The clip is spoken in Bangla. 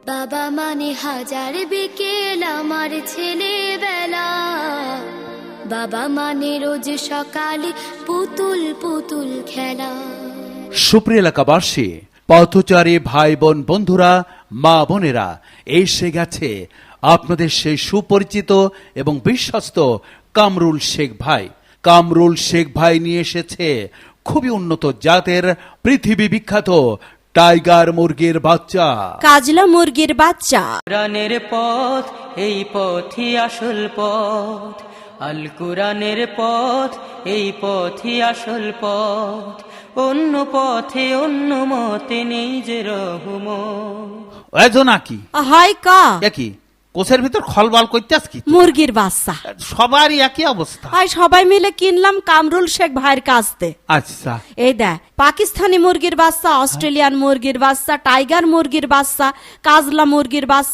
বাবা মানে হাজার বিকেল আমার ছেলেবেলা, বাবা মানে রোজ সকালে পুতুল পুতুল খেলা। সুপ্রিয় এলাকাবাসী, পথচারী ভাই বোন বন্ধুরা, মা বোনেরা, এসে গেছে আপনাদের সেই সুপরিচিত এবং বিশ্বস্ত কামরুল শেখ ভাই। কামরুল শেখ ভাই নিয়ে এসেছে খুবই উন্নত জাতের পৃথিবী বিখ্যাত টাইগার মুরগির বাচ্চা, কাজলা মুরগির বাচ্চা। কোরআনের পথ, এই পথই আসল পথ। আল কোরআনের পথ, এই পথই আসল পথ। অন্য পথে অন্য মতে নেই যে রহমত। এজো নাকি হয় কা একই কোষের ভিতর খলবাল করতে আস কি? মুরগির বাচ্চা। সবারই একই অবস্থা। আর সবাই মিলে কিনলাম কামরুল শেখ ভাইয়ের কাছ থেকে। আচ্ছা, এই দেখ, পাকিস্তানি মুরগির বাচ্চা, অস্ট্রেলিয়ান মুরগির বাচ্চা, টাইগার মুরগির বাচ্চা, কাজলা মুরগির বাচ্চা।